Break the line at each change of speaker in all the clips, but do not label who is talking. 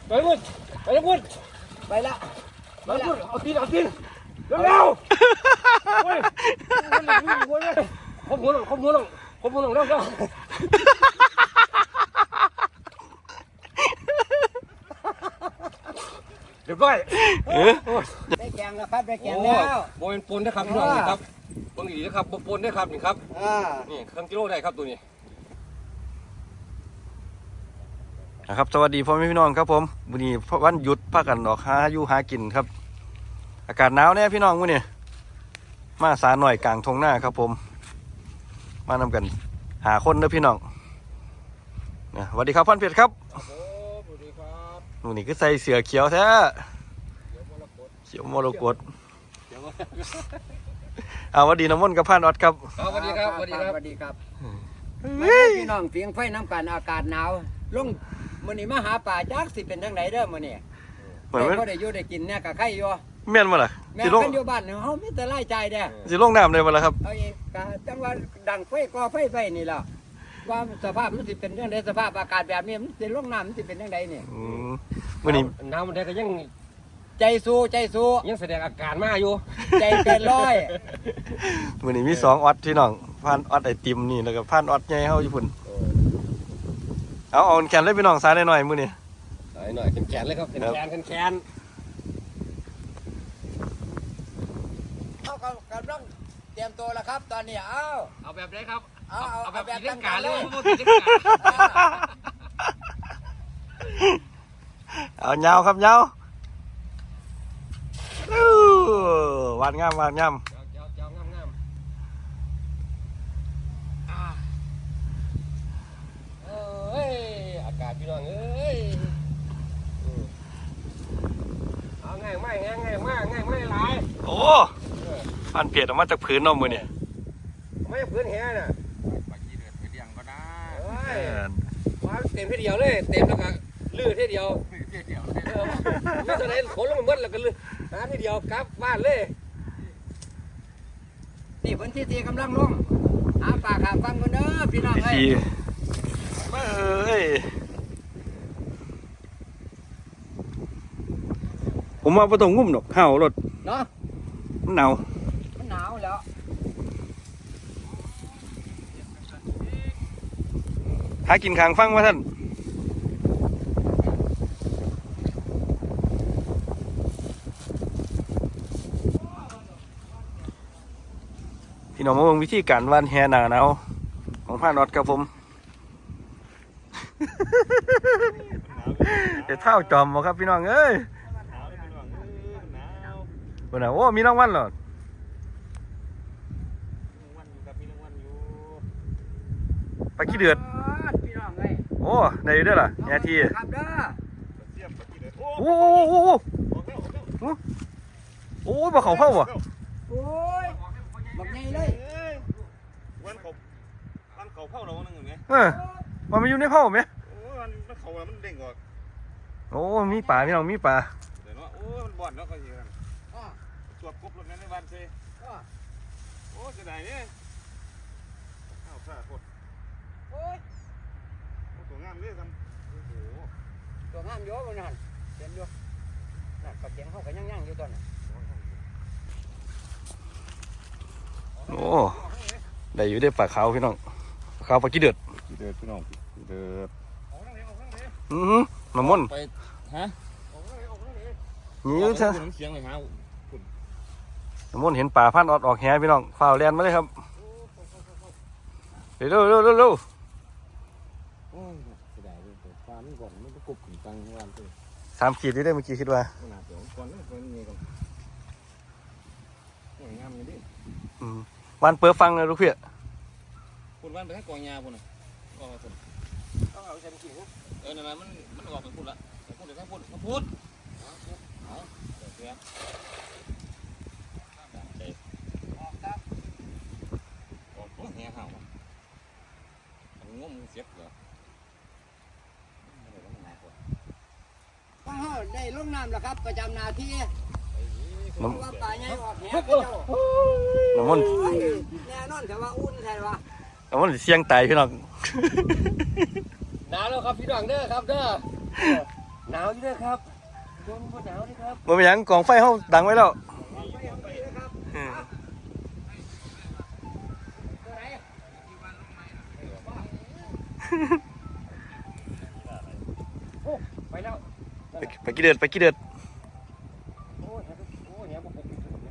ไปวุ้นไปแล้ววุ้นไปละไปละเอาตีนเร็วๆเฮ้ยขบหัวลงเร็วเดี๋ยวก้อย
ได้แกงแล้วครับได้แกงแล้ว
โบเป็นปนนะครับพี่น้องนี่ครับปนดีนะครับปนได้ครับนี่ครับนี่ครึ่งกิโลได้ครับตัวนี้
นะครับสวัสดีพ่อแม่พี่น้องครับผมวันนี้วันหยุดพากันออกหาอยู่หากินครับอากาศหนาวเนี่ยพี่น้องมื้อนี้มาสาหน่อยกลางทงหน้าครับผมมานำกันหาคนเด้อพี่น้องสวัสดีครับพันเพชรครับ
สวัสดีครับ
นู่นนี่ก็ใส่เสื้อเขียวแท้เขียวมรกตเอาสวัสดีน้ำมนต์กับพันออดครับ
สวัสดีครับ
สวัสดีครับพี่น้องเพียงไฟน้ำกันอากาศหนาวลงมื้อนี้มาหาป่าจักสิเป็นจังไดเด้อมื้อนี้เหมือนบ่ได้อยู่ได้กินเนี่ยก็ไข่อยู่
แม่นบ่ล่ะ
สิลงอยู่บ้านเฮามีแต่รายจ่ายเด้อ
สิลงน้ำได้บ่ล่ะครับ
เอาอีกก็จังว่าดังไฟก่อไฟไปนี่ล่ะว่าสภาพมันสิเป็นจังไดสภาพอากาศแบบนี้มันสิลงน้ำมันสิเป็นจังไดนี่
มื้อนี้
น้ำมันได้ก็ยัง
ใจสู้
ยังแสดงอาการมาอยู่
ใจเกินร้อย
มื้อนี้มี2ออดพี่น้องพันออดไอติมนี่แล้วก็พันออดใหญ่เฮาอยู่พุ่นเอาแขนเลยพี่น้องซ้ายหน่อยมื้อนี้
หน่อยแขนเลยครับแขน
เอากำลังเตรียมตัวแล้วครับตอนนี้
เอาแบบไหนครับ
เอา
แบบ
ตั้ง
การเลย
เอายาวครับยาววานงาม
งามเอ้ยอากาศพี่น้องเอ้ยเอาง่ายมากหลาย
โอ้พันเพียรออกมาจากพื้นนอมมือเนี่ย
ไม่พื้นแห่น่ะ
ปากกี้เดือดไปเลี้ยงก็ได้
มาเต็มทีเดียวเลยเต็มแล้วก็ลื้อทีเดียวไม่ตอนไหนขนลงมาเมื่อแล้วก็ลื้อหาทีเดียวกลับบ้านเลย
นี่พื้นที่กำลังลงหาปลาขาฟังกันเด้อพี่น้องเอ้ย
ผมว่าประตูงุ่มดอกห่าวรถ
เนาะ
มันหนาว
แล้ว
หากินขางฟังว่าท่านพี่น้องมาเบิ่งวิธีการวานแหหนาหนาวของพานอดครับผมเดี๋ยวเท่าจอมบ่ครับพี่น้องเอ้ยวันไหนโอ้มีรางวัลเหรอปลาขี้เดือดโอ้ได้ด้วยล่ะแง่ทีโอ้โอ้บ่เขาเผาบ่
โอ้ยบักใหญ่เลย
วันเขาเผาเราหนึ่งไง
มันอยู่ในเผาไหม
โอ้มันเขามันเด้งออก
โอ้มีป่าพี่น้องมีป่า
เดี๋ยวโอ้มันบ่อนแล้วก็เยอะสวบกบรถนั้นในบ้านเซ่โอ้จะไหนเนี่ยข้าวซาโคตร
โอ้ย
ตัวงามเนี่ยทำโอ้โห
ตัวงามเยอะเลยนั่นเต็มเยอะนั่นกระเจียงเขาก็ย่างอยู่ตอนนั้น
โอ้ได้อยู่ได้ปลาขาวพี่น้องปลาขาวปลาขี้เดือด
พี่น้องเดือด
น้ำมัน
ไปฮะ
นี่ใช่
เสียงเลยฮะ
น้ำมันเห็นป่าพันออดออกแหพี่น้องฝ่าแลนมาเลยครับเร็ว
โอ้ยเสียดายเลยฟ้ามันก่อนมันก็กบถึงตังวันเลย
3 ขีดได้เมื่อกี้คิดว่า
หนาเดี๋ยวก่อนนี่ก่อนนี่ก่อนสวยงามเลยดิ
วันเปิดฟังเลยลูกเพี้ย
คุณวันไปให้กองยาคุณน่ะก็มาคุณ
ต้องเอาฉันกิน
นั่นมันออกเป็นพูดละพูดเดี๋ยวพูดเอาเสียออกแห่ห่าวงมเสียบเหรอ
ป้าได้ลงน้ำแล้วครับประจำนาที่ว่าป่าใหญ่ออกแห
น้ำมัน
แน่นอนแต่ว่าอุ่นใช่ปะ
น้ำมันเสียงตายพี่น้อง
หนาวแล้วครับพี่น้องเด้อครับเด้อหนาวอยู่ด้วยครับโดนหนาวด้วยครับ
บ่มีหยังกองไฟเฮาดังไว้แล้วอืม
โอ้ไปแล้ว
ไปกี่เดือดไปกี่เดือด
โอ้ยโอ้ยเนี่ยผม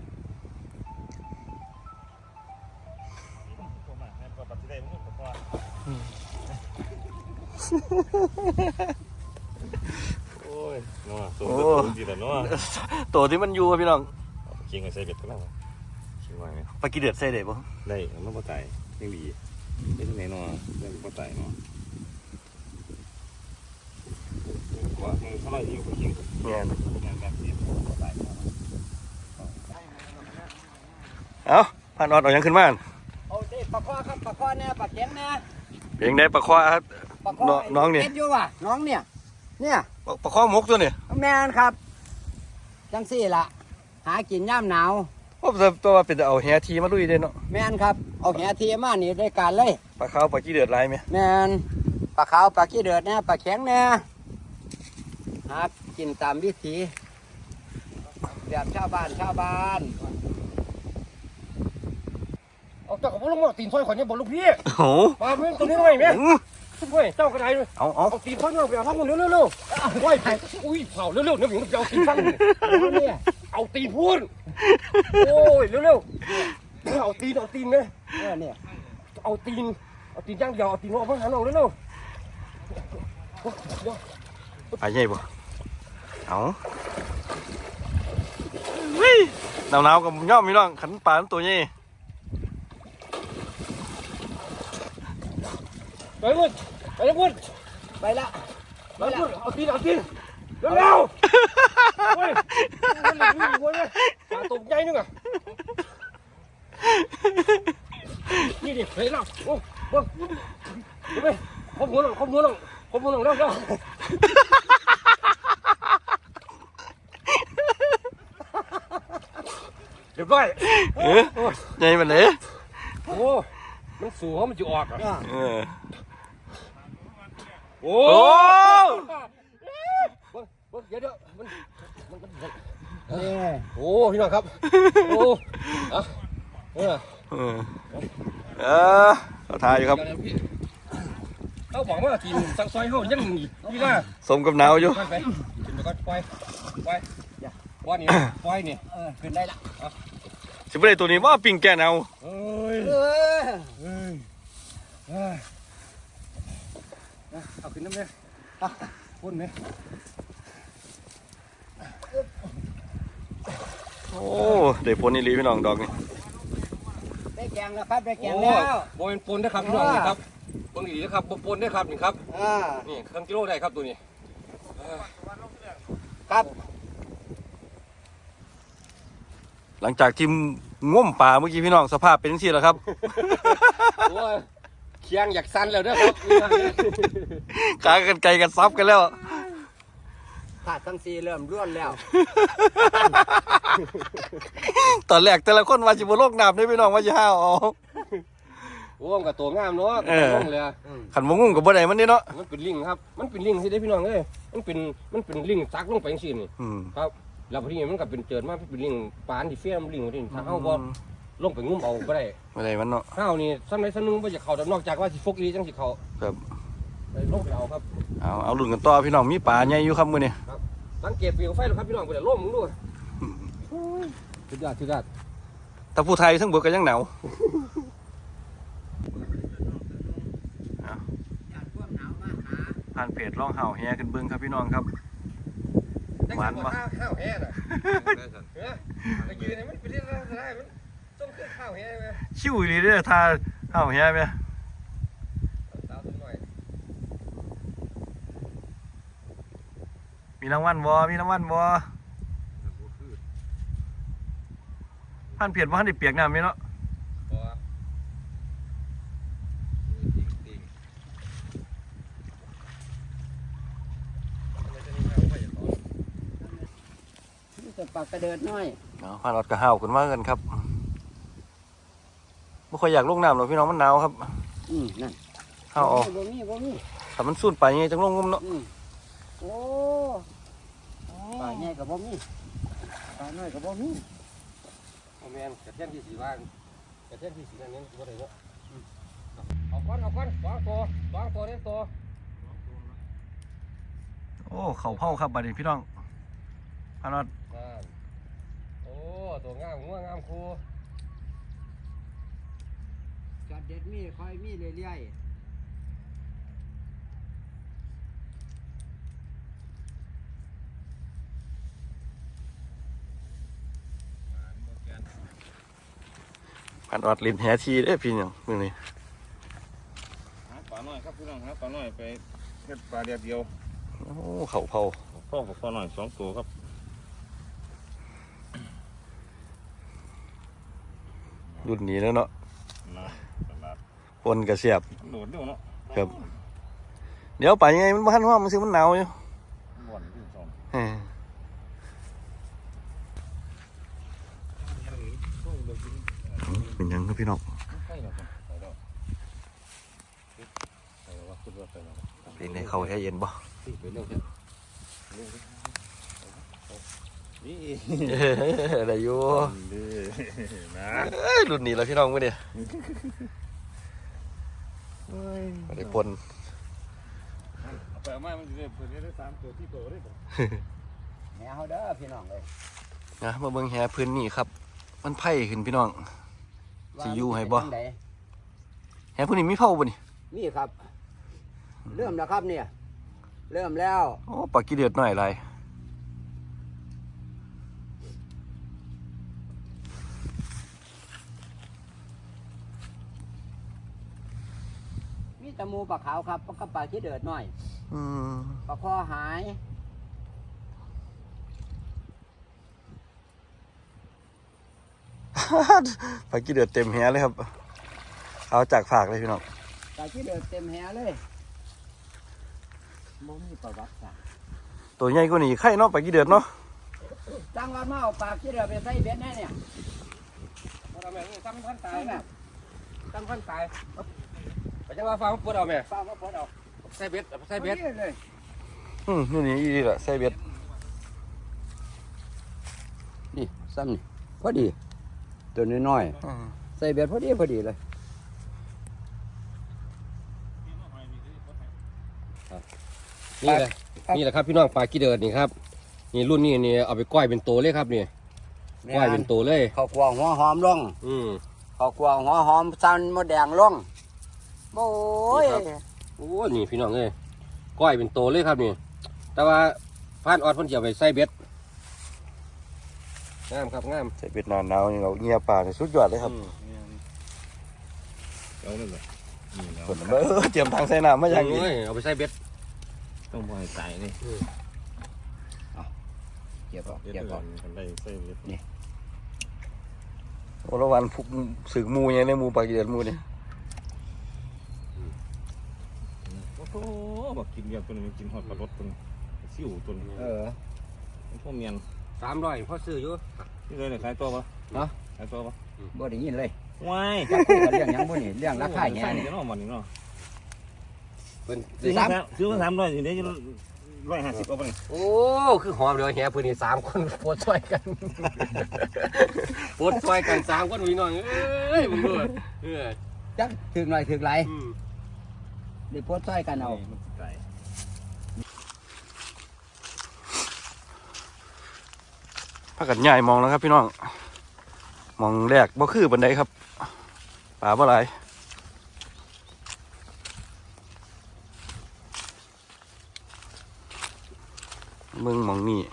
โอ้ยนัวตัวดีแต่นัว
ตัวที่มันอยู่อะพี่น้อง
คิงไอ้ใส่เบ็ดก็แล้วคิงไว้ไหม
ไปกี่เดือดใส่ได้บ่
ได้มันบ่ตายยังดีได้ที่ไหนนัวได้บ่ตายนัวว่ามึงเท่าไหร่อยู่กับคิง
แม่น
แบบนี้บ่ตาย
เอ้าผ่านออดเอาหยังขึ้นมาอั่น
เอาเด้ปลาคอครับปลาคอเนี่ยปลาแข็งเนี่ย
เพียงได้ปลาคว้าครับ
ปลาคอ
น้องนี่
เก็บอยู่ว่ะน้องเนี่ยเนี่ย
ปลาคว้ามกตัวนี่
แมนครับจังสี่ล่ะหากินย่ำหนาว
ผมจะตัวว่าเป็นแต่เอาแหทีมาลุยเด้เนาะ
แมนครับเอาแหทีมานี่ได้การเลย
ปลาขาวปลากี่เดือดหลายไหม
แมนปลาขาวปลาขี้เดือดเนี่ยปลาแข็งเนี่ยหากินตามวิถีแบบชาวบ้าน
เอาเจ้ากับพวกลูกตีนซอยขอนเนี่ยบอกลูกพี่
โอ้โห
มาเพื่อนตัวนี้หน่อยไหมเฮ้ยเจ้ากระไดเลย
เอา
เอาตีนซอยเนี่ยไปเอาทั้งหมดเร็วๆว้ยอุ้ยเผาเร็วๆเนี่ยผมจะเอาตีนฟัง
เนี่ย
เอาตีนพูดโอ้ยเร็วๆเอาตีนเนี่ย
เนี่ย
เอาตีนย่างเดียวเอาตีนออกมาหาเราเร็ว
ปลาใหญ่บ่เอาหนาวๆกับย่อมพี่น้องขันปลาตัวใหญ่
ไปพูดไปพูด
ไปละ
ไปพูดเอาตีนเร็วๆเฮ้ยมันหลุดอยู่เลยปลาตัวใหญ่นึงอ่ะนี่ดิเฮ้ยเราโอ้โหดูไปขบหัวลงเร็วเรียบร้อย
ใหญ่มันเลย
โอ้มันสูงมันจะออกอ่ะ
เออ
โอ้
โอ้
เดี๋ยวมัน
เนี่ย
โอ้พี่น้องครับโอ้อะ
เออเขาทายอยู่ครับ
เขาบอกว่าทีมสังซอยเขายังมีนี่นะ
สมกับหนาวอยู่
ไปกินไปก่อนปล่อยนี่ปล่อยนี่
ขึ้นได้ละ
สิบเลยตัวนี้ว่าปิ่งแกนเอา
เอ้ย เอาขึ้นน้ำเลยพ่นไหม
โอ้ได้ผลนี่ลีพี่น้องดอกนี่
ได้แกงแล้วครับได้แกงแล้ว
โบเป็นปนได้ครับพี่น้องนี่ครับปนดีนะครับปนได้ครับนี่ครับนี่เครื่องกิโลได้ครับตัวนี้
ครับ
หลังจากที่ง่มป่าเมื่อกี้พี่น้องสภาพเป็นจังซี่แหละครับ
โอ้ยเคียงอยากสั้นแล้วนะครับ
ขากันไกลกันซับกันแล้ว
ขาดทั้งสี่เริ่มร่วนแล้ว
ตอนแรกแต่ละคนว่าสิบ่โลกน้ำได้พี่น้องว่าสิห้าวเอา
โอ้มกับตัวงามเนาะลงเลย
ขันบ่งุ่งกับบ่ได้มันนี่เนาะ
มันเป็นลิงครับมันเป็นลิงสิได้พี่น้องเอ้ยมันเป็นลิงซักลงไปจังซี่นี่
อืม
ครับแล้วพอดีมันก็เป็นเจิดมาเป็นลิงปานที่เฟี้ยมลิงที่ถ้าเฮาบ่ลงไปงุ้มเอาบ่ได้
บ่ได้มันเนาะ
เฮานี่ซ้ำใดซ้ำนึงบ่จะเข้านอกจากว่าสิฟกอีจังสิเข้า
ครับ
ลงไปเอาครับ
เอาลุ้นกันต่อพี่น้องมีป่าใหญ่อยู่ครับมื้อนี้
สังเกตเปลวไฟแล้วครับพี่น้องบ่ได้ร่มมึงดูสุดยอด
ถ้าผู้ไทยทั้งเบิดก็ยังหนาวผ่านเพจร้องเห่าแฮขึ้นเบิ่งครับพี่น้องครับ หวานปะ
ข้าวแห้น่ะก็ยืนมันเป็นเรื่องได้มันต้องขึ้นข้าวแห้มั้ย
ชิวอีหลีเด้อท่าเห่าแฮแม่
สาวตัวน้อย
มีรางวัลบ่ผ่านเพจบ่ทันได้เปียกน้ำแม่เนาะ
จะปากกระเดิดน้อย
เอาผ่านอดก็ห้าวขึ้นมากันครับบ่ค่อยอยากลงน้ำหรอกพี่น้องมันหนาวครับ
นั่น
ห้าวออก
บ่มี
ถ้ามันสูดไปยังไงจังลงงมเนาะ
โอ้ปลาใหญ่กับบ่มีปลาน้อยกับบ่มี
โอแมนกระเทียมที่สีว่างกระเทียมที่สีนั่นนี่บ่ได้เนาะเอาก้อนสองตัวเล่นตัว
โอ้เขาเผาครับบัดนี้พี่น้องพานอด
โอ้ตัวงามงัวงามครู
จอดเด็ดมีคอยมีเรื่อยๆ
พานอดลิ้นแหทีเด้อพี่น้องมื้อนี้
หาปลาหน่อยครับพี่น้องหาปลาหน่อยไปเฮ็ดปลาเดียวเดียว
โอ้เขาเผา
พ่อกับปลาหน่อย2 ตัวครับ
รุ่นนี้แล้วเนาะ
นะตลาด
ปนกระเสียบ
โดดเร็วเนาะ
ครับเดี๋ยวไปยังไงมันบ้านว่ามันซื้อมันหนาวอยู่
บ่อนที่สอง
เอ้ยเป็นยังครับพี่น้อง
ใช่แล้วครับไปแล้วไปแล้วว่าขึ้นรถไปแล้ว
เป็นในเขาแค่เย็นบ่
ไปเร็วเถอะ
นี่
อะไรอยู่
ดีนะ
เอ้ยรุ่นนี้แล้วพี่น้องมื้อนี้บ่ได้ปน
เอาไปเอามามันจะได้เพิ่นได้3 ตัว4 ตัวได้บ่
แหวเด้อพี่น้องเลย
นะมาเบิ่งแหพื้นนี่ครับ มันไผ่ขึ้นพี่น้อง สิอยู่ให้บ่
ว่ามันเป็นจั่งใด
แหพื้นนี่มีเผาบ่นี่
นี่ครับ เริ่มแล้วครับเนี่ย เริ่มแล้ว
โอ้ปลากีเดือดหน่อยหลาย
มีแตะมูปลาขาวครับกับปลาขี้เดือดหน่อย
อืม
ปลาคอหาย
ปลากีเดือดเต็มแหเลยครับ เอาจากฝากเลยพี่น้อง
ปลาขี้เดือดเต็มแหเลยบ่มีประวัติศาสตร์
ตัวใหญ่กว่านี้ไข่เนาะปลากีเดือดเนาะ
จังว่ามาเอาปลาขี้เดือดไปใส่เบ็ดแน่เนี่ย
บ่เอาแม่นี่ตั้งพันตายนะตั้งพันตายไปจังว่าฟ้ามันปวดเอาแม่
ปลามาพอดเอา
ใส่เบ็ดใส่เบ็ด
อาเลย
นี่นี่อีดีละใส่เบ็ด
นี่ซ้ำนี่พอดี ตัวน้อยๆใส่เบ็ดพอดีเลย
นี่แหละนี่แหละครับพี่น้องปลากีเดินนี่ครับนี่รุ่นนี้นี่เอาไปก้อยเป็นตัวเลยครับนี่ก้อยเป็นตัวเลย
ข้าวกวางหัวหอมลง
อืม
ข้าวกวางหัวหอมซันมดแดงลงโอ้ย
โอ้นี่พี่น้องเอ้ยก้อยเป็นตัวเลยครับนี่แต่ว่าพานออดเพิ่นสิเอาไปใส่เบ็ดงามครับงาม
ใส่เบ็ดหนาวๆนี่เราเงียปลานี่สุดยอดเลยครับ
เอาเลยเหรอนี่แล้ว
คนเตรียมทางใส่น้ำมาอย่างนี้
โอ้ยเอาไปใส่เบ็ด
ต้องบ่ให้ตายนี่
เก็บเอา
เดี๋ยว
เก็บ
ก่อ
เอา
นได้ใส่เบ็ด
โอ้ละวันพุกสึกหมูยังในหมูปลากีเดือดหมูนี่
โอ้โหบักกินเดียวตัวนึงกินฮอดปลารสตัวนึงซิ่วตัวนึง พวกเมียน
300พอซื้ออยู่
นี่เลยเนี่ยขายตัวปะ
เนาะ
ขายตัวปะ
บ่ได้ยินเลย
ว้าย
จักคุยกันเรื่องหยังบ่นี่เรื่องราคาแง่
ใส่
นี่
จะน้องมันนี่เนาะ
เพิ่น
ซื้อมา300สิเดี๋ยวจะ150เอาไปนี่
โอ้คือหอมเดี๋ยวแห่เพิ่นนี่3คนโพดช่วยกันโพดช่วยกัน3คนพี่น้องเอ้ยมึงดูเออ
จักถึกหน่อยถึกหลาย
อืม
ได้โพสต์ใส่กันเอา
มันสิไก่
พากันใหญ่มองแล้วครับพี่น้องมองแรกบ่คือบันไดครับปลาบ่หลายมึงมองนี่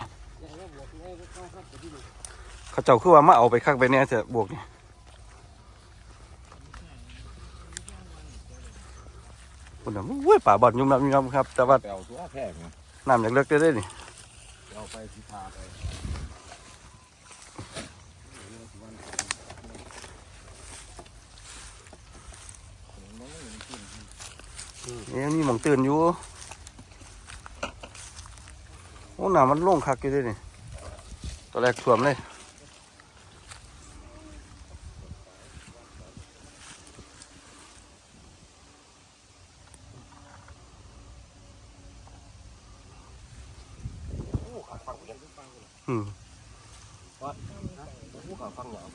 เขาเจ้าคือว่ามาเอาไปคักไปแน่จะบวกนี่คุณน่ะเว้ยป่าบอดยุ่มน้ำยุ่มน้ำครับ แต่ว่า
ไปเอาตัวแพงนะ
น้ำอยากเลิกได้นี่
เอาไปสิพาไป
นี่หมองตื่นอยู่โอ้น้ำมันโล่งคักอยู่ด้วยนี่ตัวแรกท่วมเลยอืม
ว่าผู้ข่าวฟังยาว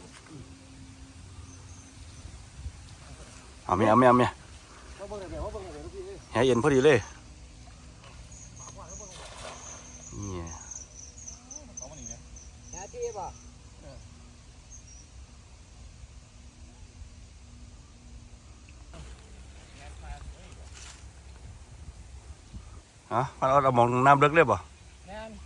เอาเมีย
ว่าเบิ่งได้ลูกพี่
แหเย็นพอดีเลยนี่
หาที่บ่
มันเอามองน้ำลึกเลยป่ะ
แม่น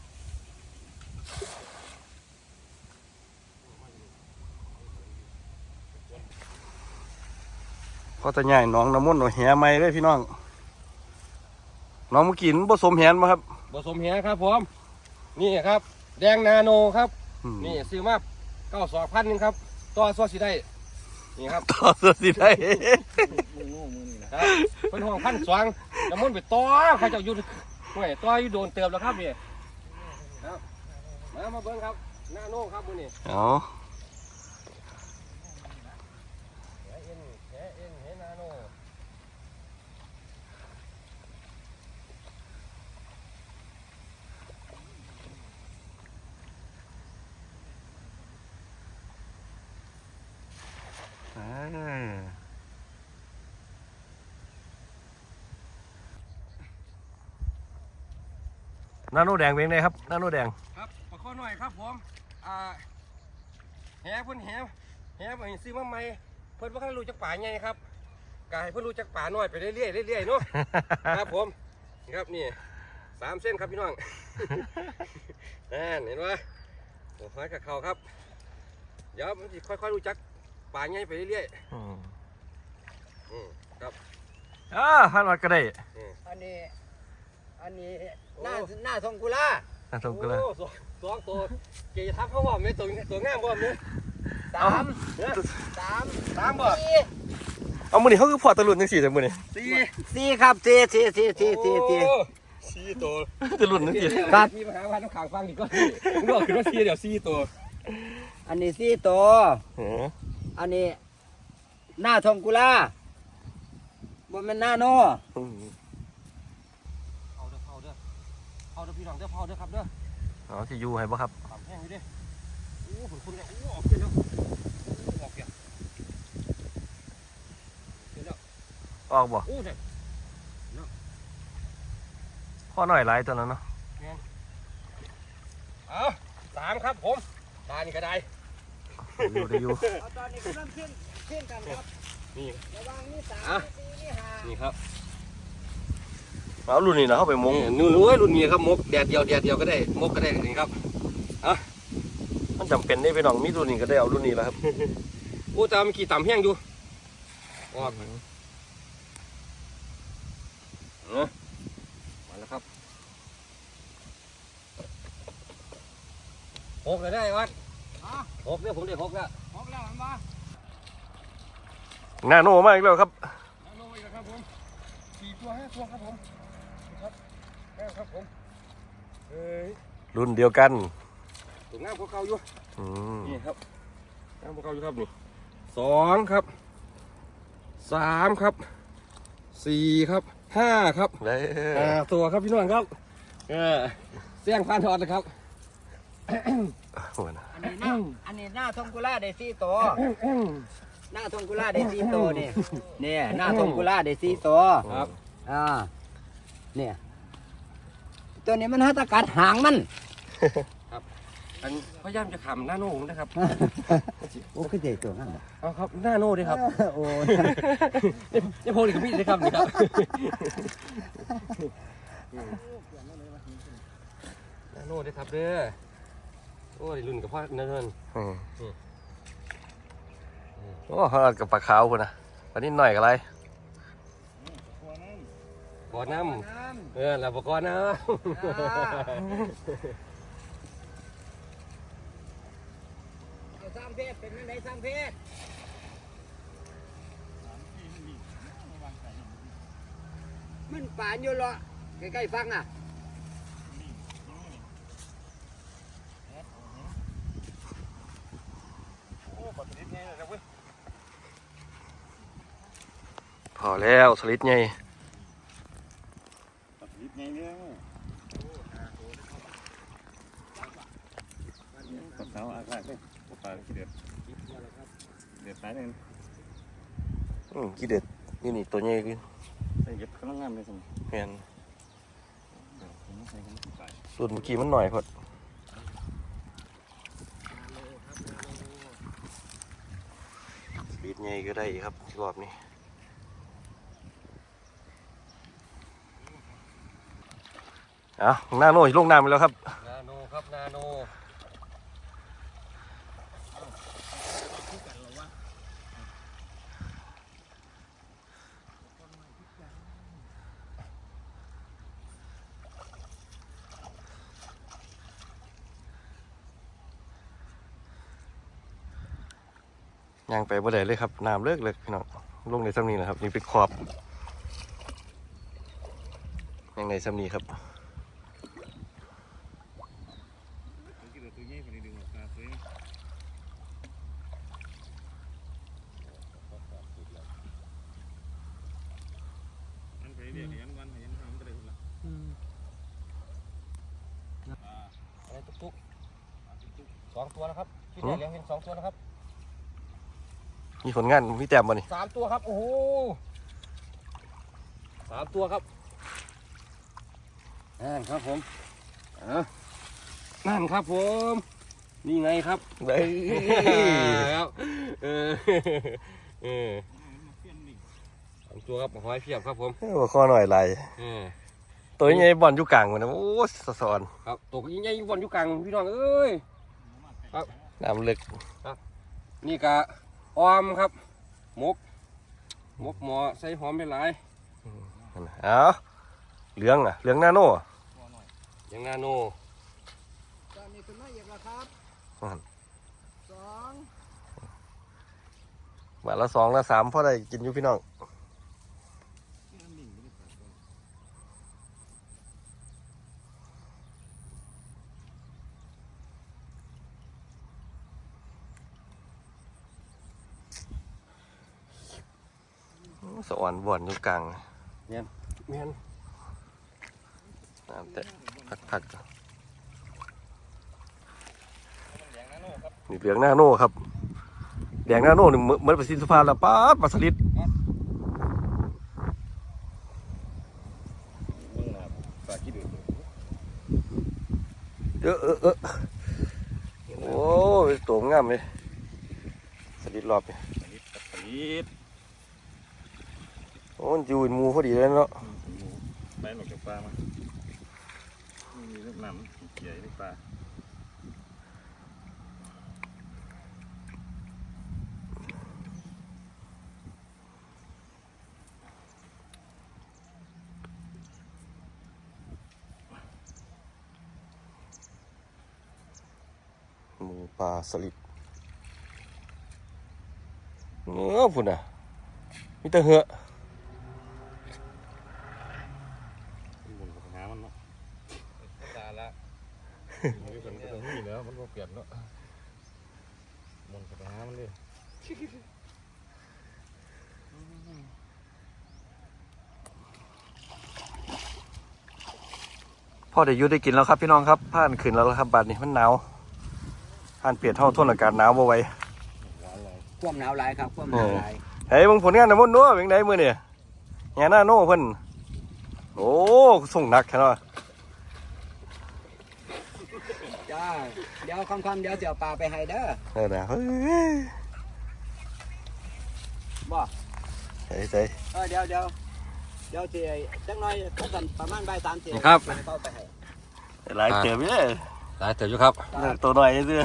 เพราะแต่ใหญ่น้องน้ำมันต์แหไม่เลยพี่น้องน้องเมื่อกี้มันผสมแหนมาครับ
ผสมแหครับผมนี่ครับแดงนาโนครับ
นี่
นี่ซื้อมา92,000นึงครับต่อซอสสิได้นี่ครับ
ต่อเสื้อสีได้
ครับเป็นห้อง1,200น้ำมันต์ไปต่อเขาเจ้าอยู่ห่วยต่ออยู่โดนเติมแล้วครับนี่ครับมาเบิ่งครับนาโนครับมื้อนี้
เอา
แหนาโน
นาโนแดงเป็นไงครับนาโนแดง
ครับปลาข้อหน่อยครับผมแหเพิ่นแหไปซื้อมาใหม่เพิ่นบ่คันรู้จักป่าใหญ่ครับกายเพิ่นรู้จักป่าน้อยไปเรื่อยๆเนาะ ครับผมนี่ครับนี่3 เส้นครับพี่น้อง นั่นเห็นไหมโอ้ยกับเขาครับเดี๋ยวมันสิค่อยๆรู้จักป่าใหญ่ไปเรื่อยๆครับ
พันวัดก็ได้
อันนี้หน้าทรงกุลา
น่าสมกันเลย
โอ้สองตัวเกยทับเขาบ่แม่ตัวงามบ่แม่
สาม
3บ่
สี่
เอามือนี่เขาคือพอตะลุนจังสี่แต่มือนี่
สี่ครับสี่
4ตัว
ตะลุนจังสี่
ครับ
มีปัญหาว่าน้ำขางฟังดีก็มึงบอกคือว่า4เดี๋ยว4ตัว
อันนี้สี่ตัว อันนี้หน้าทรงกุลาบ่แม่นหน้าโน
เอาเด้อพี่น้องเด้อครับเด้อ
อ๋อที่อยู่ให้บ่ครับ
ขำแห้งอยู่ดิโอ้ผลคุณเนี่ยโอ้ออกเกินแล้วออกเกิน
ออกบ่
โอ้เนี่ย
ข้อหน่อยหลายตัวนั้นเนาะ
เอา3ครับผมตานี่ก็ได้
ได้อยู่
ตอนนี้กำลังขึ้นกันครับ
นี่
ระวังนี่3นี่4นี่5
นี่ครับ
เอารุ่นนี้นะเข้าไปมง
นู่นรุ่นนี้ครับมกแดดเดียวก็ได้มกก็ได้นี่ครับ
มันจำเป็นได้ไปน้องมีรุ่นนี้ก็ได้เอารุ่นนี้แล้วครับ
โอ้ตามันขี่ต่ำแห้งอยู่ออกมาแล้วครับ6เลยได้วัด6เนี่ยผมได้6แล้ว
ออกแล้วมันบ่
หน้าโน่มากอีกแล้วครับ
ลงไปกันครับผม4 ตัว 5 ตัวครับผมครับผมเอ้ย
รุ่นเดียวกัน
ตัวงามพวกเขาอยู่
อืม
นี่ครับงามพวกเขาอยู่ครับนี่2ครับ3ครับ4ครับ5ครับ
ได้
ตัวครับพี่น้องครับเสียงพันทอดนะครับ
โอ้ยนะ
อันนี้หน้าทรงกุลาได้4ตัวหน้าทรงกุลาได้4ตัวนี่หน้าทรงกุลาได้4ตัว
ครับ
เนี่ยตัวนี้มันหัตถกัดหางมัน
อันพยายามจะขำหน้าโน่นะครับ
โอ้คือเด็กตัวนั้น
เอาครับหน้าโน่ด้วยครับ
โอ้
นี่โพลีกับมีดเลยครับนี่ครับหน้าโน่ด้วยครับเด้อโอ้ยรุ่นกับพ่อเนิน
โอ้เขากับปลาขาวคนนะวันนี้หน่อยกับอะไร
ก่อนน้ำแล้วบอกก่อนน้
สร้างเพศเป็นยังไงสร้างเพศมันป่านอยู่เหรอใกล้ๆฟังอ่ะ
ำโอ้ปลาสลิดไงนะเว้ย
พอแล้วสลิดไง
นิดไงเนี่ยกับเท้าอากาศเลยปลาขี้เดือดเดือดตายเลย
กี่เด็ดนี่นี่ตัวใหญ่ขึ้น
ใส่เก็บกำลังงามเลยสม
แม่น
ใส่กันไป
ส่วนเมื่อกี้มันหน่อยพอดปีดใหญ่ก็ได้อีกครับรอบนี้เอาหน้าโน่ลงน้ำไปแล้วครับ
นาโนครับนาโน
ย่างไปบ่ได้เลยครับน้ำเลิกเลยพี่น้องลงในซ้ำนี้นะครับนี่เป็นขอบย่างในซ้ำนี้ครับ
ขี้เดือดตัวใหญ่คนนี้ดึงออกมาตัวนี้อันไปเดี๋ยวยันวันยันทำก็ได้คนละ
อะไรตุ๊กๆ2 ตัวนะครับที่ไหนเลี้ยงเห็น2 ตัวนะครับ
มีผลงานพี่แต้มบ่นี่
3 ตัวครับโอ้โห3 ตัวครับนั่นครับผมนั่นครับผมนี่ไงครับ
เฮ้ย
ครับ3 ตัวครับหอยเพียบครับผม
หัวข้อหน่อยไหลตัวใหญ่บอลอยู่กลางมันนะโอ้สอน
ครับตัวใหญ่ๆอยู่บนอยู่กลางพี่น้องเอ้ยครับ
น้ำลึก
นี่กะออมครับหมกหมอใส่หอมไปหลาย
เอาเหลืองอ่ะเหลืองนาโน่
อย่างนาโน
ตอนนี้คุณมาอีกแล้วครับสอง
บาทละ2ละ3พอได้กินอยู่พี่น้องสวรรค์บ่อนอยู่กลาง
แม่น
น้ำแต่พักนี่เหลืองนาโน่ครับแดงนาโน่นี่เหมือนประสิทธิภาพละป้าดปลาสลิด
เบื้องหน้าปลาขี้เดือด
โอ้ยตัวงามเลยสลิดรอบนี่
ปีด
โอ้มันอยู่เป็นหมูพอดีเลยเนาะ
ไปหลอกจากปลามามีลูกน้ำเกี่ยลูกปลา
หมูปลาสลิดเนื้อพุ่นอ่ะมีแต่เหือ
บนกับหามันเนาะ
ตาละ
มีคนก็ต้องมีแล้วมันก็เปลี่ยนเนาะบนกับหามันเลย
พ่อได้อยุได้กินแล้วครับพี่น้องครับผ่านขึ้นแล้วครับบัดนี้มันหนาวผ่านเปลี่ยนเท่าทนอากาศหนาวบ่ไหว
ความหนาวหลายครับความหนาวหลาย
เฮ้ยมึงผลงานนะมุ่นนัวเป็นไงมือเนี่ยแง่หน้าโน่เพิ่นโอ้ส่งหนักแค่นั้น
จ้าเดี๋ยวค่ำๆเดี๋ยวจะเอาปลาไปให้เด้อ
เออนะเฮ้ย
บ่
ใส่ใส่
เดี๋ยวสิจักหน่อยก็สั่นประมาณบ่าย3 4
ครับ
เข้าไปให้
หลายเติมเลย
ตายเติบอยู่ครับ
ตัวหน่อยซื้อ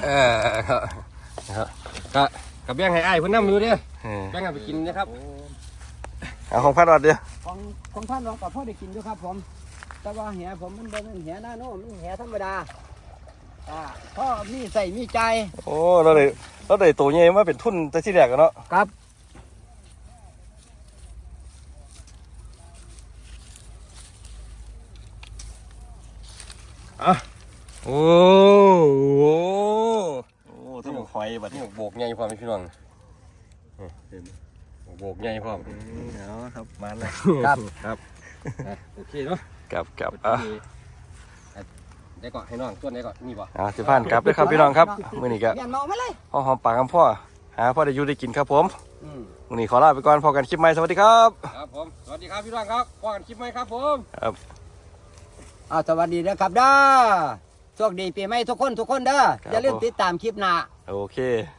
กับแบ่งให้อ้ายเพิ่นนำอยู่เด้
เออ
แบ่งกันไปกินนะครับ
เอาของพัดวัดเดียว
ของท่านเรากับพ่อได้กินอยู่ครับผมแต่ว่าแหผมมันเป็นแหหน้าโน่มันแหธรรมดาพ่อมีใส่มีใจ
โอ้เราได้ตัวใหญ่มาเป็นทุนแต่ที่แรกกันเนาะ
ครับ
โอ้โห
โอ้ทั้งหมดหอยบัดนี้
โบกใหญ่พร้อมพี่น้องโบกใหญ่พร้อม
เอาครับมาเลย
ครับ
ครับโอเคเนาะ
กับ
ได้ก่อนให้น้องส่วนได้ก่อนนี่บ่
สิผ่านกลับด้วยครับพี่น้องครับมื้อนี้ก็
เมียนเมามาเลย
พ่อหอมปากคำพ่อหาพ่อได้อยู่ได้กินครับผม
อืม
มื้อนี้ขอลาไปก่อนพอกันคลิปใหม่สวัสดีครับ
ครับผมสวัสดีครับพี่น้องครับพบกันคลิปใหม่ครับผม
ครับ
สวัสดีนะครับเด้อโชคดีปีใหม่ทุกคนเด้ออย่าลืมติดตามคลิปหน้า
โอเค